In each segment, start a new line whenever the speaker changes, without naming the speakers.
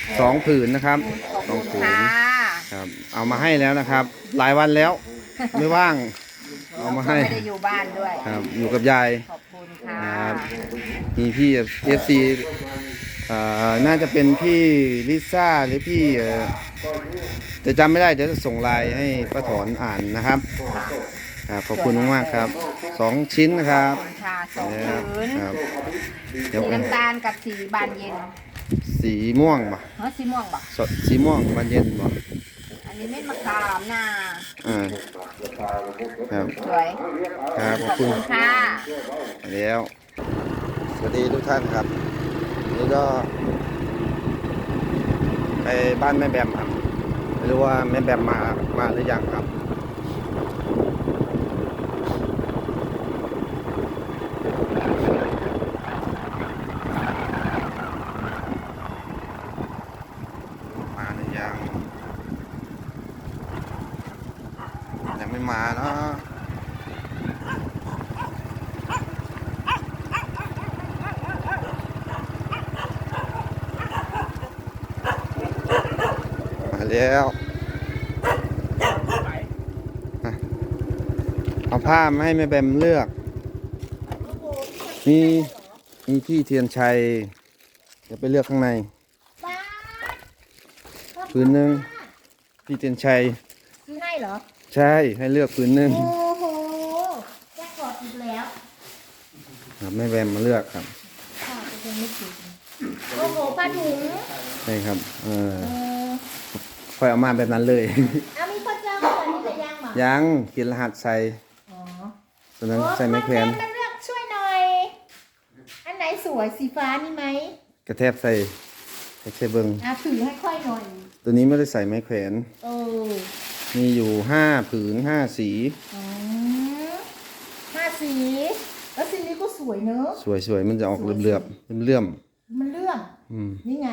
ผืนนะครับ
ขอบ
สอง
คุณ
ผืน
ค่ะ
ครับ เอามาให้แล้วนะครับ หลายวันแล้วไม่ว่างเอามาให้
ไม่ได้อยู่บ้านด้วย
ครับอยู่กับยาย
ขอบคุณค่ะ
ครับมีพี่FC น่าจะเป็นพี่ลิซ่าหรือพี่จะจำไม่ได้เดี๋ยวจะส่งไลน์ให้ป้าถอนอ่านนะครับครับขอบคุณมากๆครับ2 ชิ้นนะครับ
ขอบคุณค่ะสอง
นะครับ
ผืน
ครับ
สี
เดี๋ยว
น้ำตาลกับสีบานเย็น
สีม่วงป่ะ
เฮ้ยสีม่วงบ่
สีม่วงบานเย็นป่ะ
อันนี้เม็ดมะขามน่ะ
อ่าครับ
สวย
ครับข
ข
อ
อ
บบ คุ
คุณ ณค่ะ
แล้วสวัสดีทุกท่านครับนี่ก็ไปบ้านแม่แบมครับไม่รู้ว่าแม่แบมมาหรือยังครับมาหรือยังไม่มาเนาะมาแล้วอ่ะเอาผ้ามาให้แม่แบมเลือกมีพี่เทียนชัยเดี๋ยวไปเลือกข้างในผืนหนึ่งพี่เทียนชัย
ซื้อให้เหรอ
ใช่ให้เลือกผืนหนึ่ง
โอ้โหแจ็คพอตอีกแล้ว
ครับแม่แบมมาเลือกครับ
ค่ะจะไม่ถึงโอ้โหปลาถุง
ใช่ครับ
เออ
ค่อยเอามาแบบนั้นเลย
เอามีข้าวเจ้าก่อนนี่จะย่างหมา
ยังเขียนรหัสใส่
อ๋อ
ตอนนั้นใส่ไม้แขวน
โอ้เลือกช่วยหน่อย อันไหนสวยสีฟ้านี่ไหม
กระแทบใส่ใส่เบิง
ถือให้ค่อยหน่อย
ตัวนี้ไม่ได้ใส่ไม้แขวน
เออ
มีอยู่5 ผืน 5 สี
อ๋อ5 สีแล้วสีนี้ก็สวยเนอะ
สวยๆมันจะออกเหลื่อมๆเลื่อม
มันเลื่อม
ๆ
นี่ไง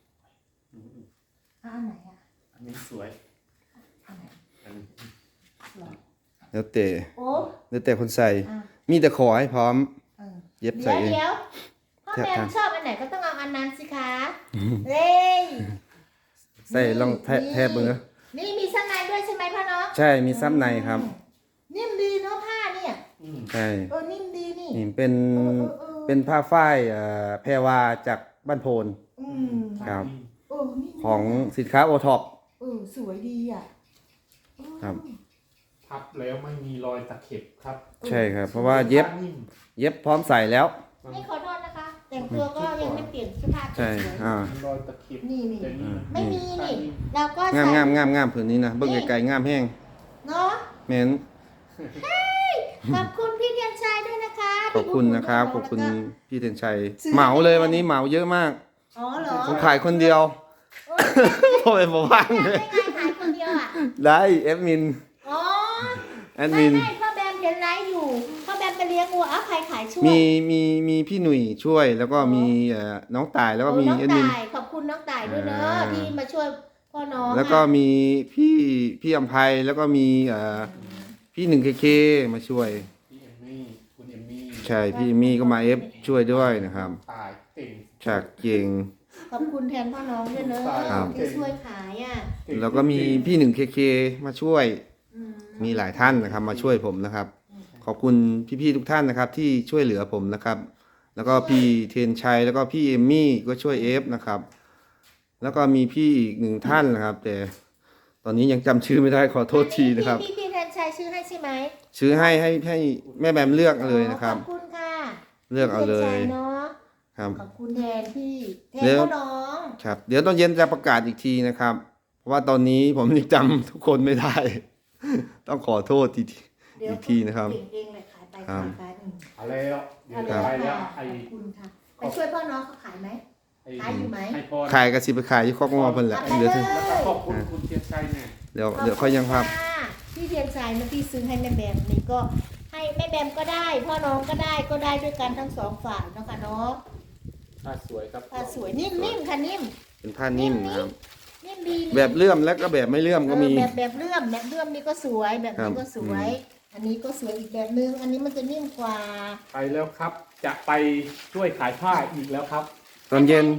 อันไหนอ่ะ
อันนี้สวย
อันไหน
อันนี้
หรอ
แล้วแต่
โอ้
แล้วแต่คนใส่
อ่ะ
มีแต่ขอให้พร้อม
เออ
เย็บใส่เอง
เดี๋ยวพ่อ
แทบ
แม่
ทาง
ชอบอันไหนก็ต้องเอาอันนั้นสิคะเฮ้ย
ใส่ลองแทบเบิ่งนะ
นี่มีชั้นในด้วยใช่ไหมพ่อเนาะ
ใช่มีซับในครับ
นิ่มดีเนาะผ้าเนี่ย
ใช่
นิ่มดีนี่
นี่เป็น
เออ
เป็นผ้าฝ้ายแพรวาจากบ้านโพน
อืม
ครับ
นี่
ของสินค้าโอท็อป
สวยดีอ่ะ
ครับ
พับแล้วไม่มีรอยตะเข็บครับ
ใช่ครับ เพราะว่าเย็บ
นิ่ม
เย็บพร้อมใส่แล้ว
นี่ขอโทษนะคะ แต่งตัวก็ยังไม่เปลี่ยนเสื้อผ้า
ใช่
สวย
รอยตะเข็บ
นี่
แต่นี่
ไม่มีนี่เราก็
งาม
ใส่
งามผืนนี้นะเบิ่งไกลๆงามแห้ง
เนาะ
แม่น
ขอบคุณพี่เทียนชัยด้วยนะคะ
ขอบคุณนะครับขอบคุณ
แล้วก็
พี่เทียนชัย
ซื้อ
เหมาเลยวันนี้เหมาเยอะมาก
อ๋อเหรอ
ผมขายคนเดียวโอ้ยผมว่าง
ไม่
เลย
ไงขายคนเดียวอ่ะ
ได้แอดมิน
อ๋อ
แอดมิน
ไม่พ่อแบมเห็นไลฟ์อยู่พ่อแบมไปเลี้ยงวัวเอาใครขายช่วย
มีพี่หนุ่ยช่วยแล้วก็มีน้องตายแล้วก็มี
น้อง
แอดมิน
ต่ายขอบคุณน้องต่ายด้วยเนอะ
อ่า
ที่มาช่วยพ่อน้อง
แล้วก็มีพี่อำไพแล้วก็มีพี่หนึ่งเคมาช่วย
พี่เอมมี่คุณเอมมี่
ใช่พี่มี่ก็มาช่วยด้วยนะครับ
ตายเก่ง
ฉากเก่ง
ขอบคุณแทนพ่อน้องด้วยเนอะ
ครับ
ที่ช่วยขายอ่ะ
เก่ง
แล้วก็มีพี่หนึ่งเคมาช่วย
อืม
มีหลายท่านนะครับมาช่วยผมนะครับ ขอบคุณพี่ๆทุกท่านนะครับที่ช่วยเหลือผมนะครับ แล้วก็พี่เทนชัยแล้วก็พี่เอมมี่ก็ช่วยเอฟนะครับ แล้วก็มีพี่อีกหนึ่งท่านนะครับ แต่ตอนนี้ยังจำชื่อไม่ได้ขอโทษทีนะครับ
พี่แทนชัยชื่อให้ใช่ไหม
ชื่อให้แม่แบมเลือกเลยนะครับ
ขอบคุณค่ะ
เลือกเอาเลย
พี่แทนชัเนาะ
ครับ
ขอบคุณแทนพี่แทน
เดี๋ยว
พ่อน้อง
ครับ เดี๋ยวตอนเย็นจะประกาศอีกทีนะครับ เพราะว่าตอนนี้ผมยังจำทุกคนไม่ได้ ต้องขอโทษอีกทีนะครับ
เก่งเองเลยขายไป
ครับ
ขายไป
เอาแล้วเดี๋ยว
เอา
จะ
เลย
ไปแล้ว
ค่ะ
ไอ้
ขอบคุณค่ะไปช่วยพ่อน้องเขาขายไหม ขายอยู่ไหม
ให้พร
ขายกระสิบไปขายที่คอกงอเพิ่นแหละ
เอาไป
เดี๋ยว
เลย
แล้วก็ขอบคุณคุณเทียนชัยเนี่ย
เดี๋ยวค่อยยังครับ
ขอณะพี่เทียนชัยเมื่อกี้ซื้อให้แม่แบมนี่ก็ให้แม่แบมก็ได้ พ่อน้องก็ได้ด้วยกันทั้งสองฝ่ายเนาะค่ะเนาะ
ผ้าสวยครับ
ผ้าสวยนิ่มๆค่ะนิ่ม
เป็นผ้านิ่มนะครับ
นิ่มดี
แบบเลื่อมและก็แบบไม่เลื่อมก็มี
แบบเลื่อมนี่ก็สวยแบบ
ครั
นี้
บ
ก็สวย อันนี้ก็สวยอีกแบบนึงอันนี้มันจะนิ่มกว่า
ไปแล้วครับ จะไปช่วยขายผ้าอีกแล้วครับ
ตอนเย็น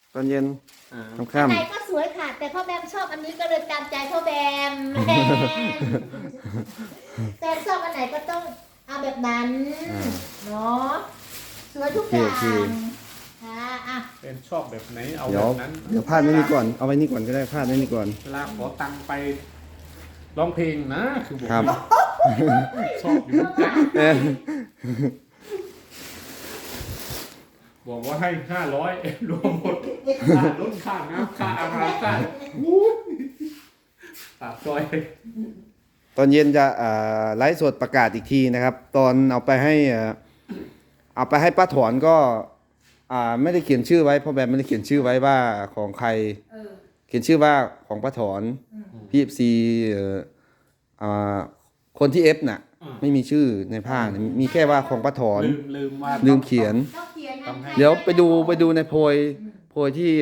ตอนเย็น
อ่า
อัน
ค่ำ
ไหนก็สวยค่ะ แต่พ่อแบมชอบอันนี้ก็เลยตามใจพ่อแบมแต่ชอบอันไหนก็ต้องเอาแบบนั้นเนาะสวยทุกอย่างค่ะอ่ะ
เป็นชอบแบบไหนเอา
เดี๋
แบ
ยว
บนั้น
เดี๋ยวพาดไว้นี่ก่อนเอาไว้นี่ก่อนก็ได้พาดไว้นี่ก่อน
เวลาขอตังค์ไปร้องเพลงนะคือบอก
ครับ
ชอบอยู่เหมือนกัน
เออ
บอกว่าให้500รวมหมดค่ารถค่าน้ำค่าอาหารค่าอู้ปากซอย
ตอนเย็นจะไลฟ์สดประกาศอีกทีนะครับ ตอนเอาไปให้เอาไปให้ป้าถอนก็ไม่ได้เขียนชื่อไว้เพราะแบบไม่ได้เขียนชื่อไว้ว่าของใคร
เออ
เขียนชื่อว่าของป้าถอนพี่ซีคนที่เอฟน่ะ ไม่มีชื่อในผ้าเนี่ยมีแค่ว่าของป้าถอน
ลืมว่า
ลืมเขียน
ต้องเขียนนะ
เดี๋ยวไปดูในโพยที่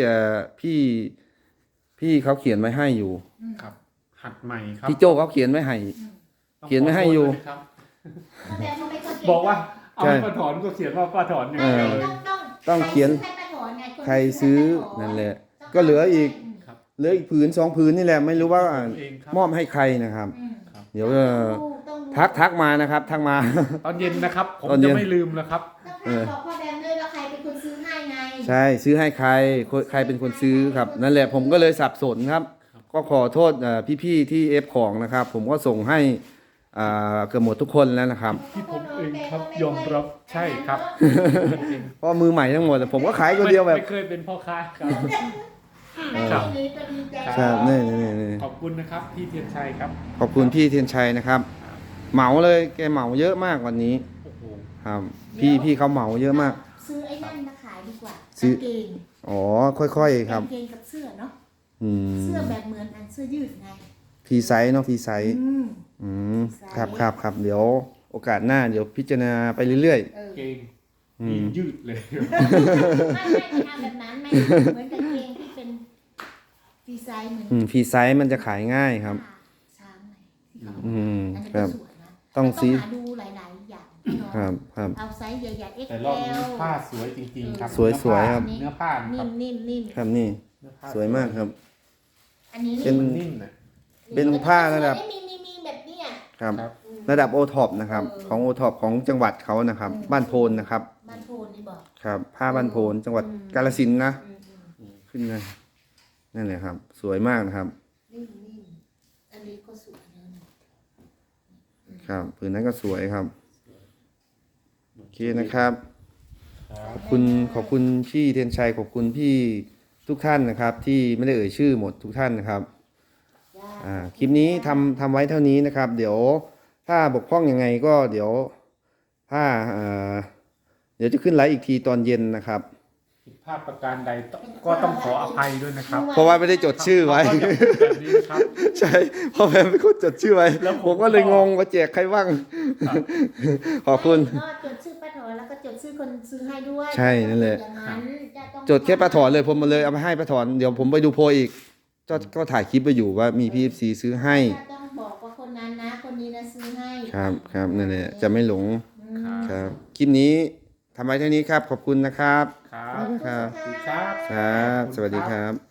พี่เขาเขียนไว้ให้อยู่
ครับ หัดใหม่ครับ
พี่โจเขาเขียนไว้ให้ เขียนไว้ให้อยู่
พ่อแบมเขาไม่ค่อยเขียน
บอกว่าเอา
ใช่
ให้ป้าถอนก็เขียนว่าป้าถอนอย่าง
เอ
เดี
อ
ยวเลย
ต้องเขียน
ให้ป้าถอนไงน
ใครซื้อนั่นแหละก็เหลืออีก
ครับ
เหลืออีกผืน2ผืนนี่แหละไม่รู้ว่า
ผมเองครับ
มอบให้ใครนะครับ
อืม
เดี๋ยว
ต้องรู้
ทักมานะครับทักมา
ตอนเย็นนะครับ ผม
ตอนเย็
จะ
น
ไม่ลืมนะครับ
ต้องบอกพ่อแบมด้วยว่าใครเป็นคนซื้อให้ไง
ใช่ซื้อให้ใครเป็นคนซื้อครับ นั่นแหละผมก็เลยสับสนครับ ก็ขอโทษพี่ๆที่เอฟของนะครับ ผมก็ส่งให้เกือบหมดทุกคนแล้วนะครับ
ที่ผมเองครับยอมรับใช่ครับ
เพราะมือใหม่ทั้งหมดผมก็ขายคนเดียวแบบ
ไม่เคยเป็นพ่อค้าครับ
ไม่
ครับ
ดีก็ดีใจ
ครับนี่
ขอบคุณนะครับพี่เทียนชัยครับ
ขอบคุณพี่เทียนชัยนะครับ เหมาเลยแกเหมาเยอะมากวันนี้
โอ้โห
ครับพี่เขาเหมาเยอะมาก
ซื้อไอ้นั่นมาขายดีกว่า
ซื้อ
กางเกง
อ๋อค่อยๆครับ
กางเกงกับเสื้อเนาะ
อืม
เสื้อแบบเหมือนอันเสื้อยืดไง
พีไซส์เนาะพีไซส์
อืม
อืมครับเดี๋ยวโอกาสหน้าเดี๋ยวพิจารณาไปเรื่อย
เออ
เกง
อืม
มียืดเลย
ไม่ทำแบบนั้นไม่เหมือนกางเกงที่เป็นดีไซน์เหมือน
พีไซส์มันจะขายง่ายครับ
ช้างไงที่เขา
อืม
อันนี้
ครั
ก็
บ
สวยนะ
ต้อง
แต่
ซื้อ
หาดูหลายๆอย่างเนาะ
ครับ
เอาไซส์ใหญ่ๆ
แต่รอบนี้
XL
ผ้าสวยจริงๆครับ
สวยๆครับ
เนื้อผ้าค
นิ่
รับ
มนิ่มนิ่ม
ครับนี่
เนื้อผ้
สวยมากครับ
อันนี้
เป็น
มันนิ่มนะ
เป็นผ้าระดับ
มีแบบเนี้ย
ครับ
ครับ
ระดับโอท็อปนะครับ ของโอท็อปของจังหวัดเขานะครับ บ้านโพนนะครับ
บ้านโพนนี่บอก
ครับผ้าบ้านโพนจังหวัดกาฬสินธุ์นะ
อืม
ขึ้นนะนั่นแหละครับ สวยมากนะครับ
นิ่มนิ่มอันนี้ก็สวยนะ
ครับผืนนั้นก็สวยครับโอเคนะครับ
ครับ
ขอบคุณพี่เทียนชัยขอบคุณพี่ทุกท่านนะครับ ที่ไม่ได้เอ่ยชื่อหมดทุกท่านนะครับ คลิปนี้ทำไว้เท่านี้นะครับ เดี๋ยวถ้าบกพร่องยังไงก็เดี๋ยวถ้าเดี๋ยวจะขึ้นไลฟ์อีกทีตอนเย็นนะครับ
ผิดพลาดประการใดก็ต้องขออภัยด้วยนะครับ
เพราะว่าไม่ได้จดชื่อไว้
เขาจะพูดแบบนี้นะครับ
ใช่เพราะแม่เป็นคนจดชื่อไว้
แล้วผม
ผมก็เลยงงว่าแจกใครบ้าง
ครับ
ขอบคุณ
ก็จดชื่อป้าถอนแล้วก็จดชื่อคนซื้อให้ด้วย
ใช่นั่นแหละ
อย่างนั้นจะต้อง
จดแค่ป้าถอนเลยผมมาเลยเอาไปให้ป้าถอนเดี๋ยวผมไปดูโพยอีกก็ถ่ายคลิปไปอยู่ว่ามีพี่ซีซื้อให้
จะต้องบอกว่าคนนั้นนะ คนนี้นะซื้อให้
ครับนั่นแหละจะไม่หลง
อืม
ครับคลิปนี้ทำไว้เท่านี้ครับ ขอบคุณนะครับ
ครับ
ครับ
สวัสดีครับ
ครับ สวัสดีครับ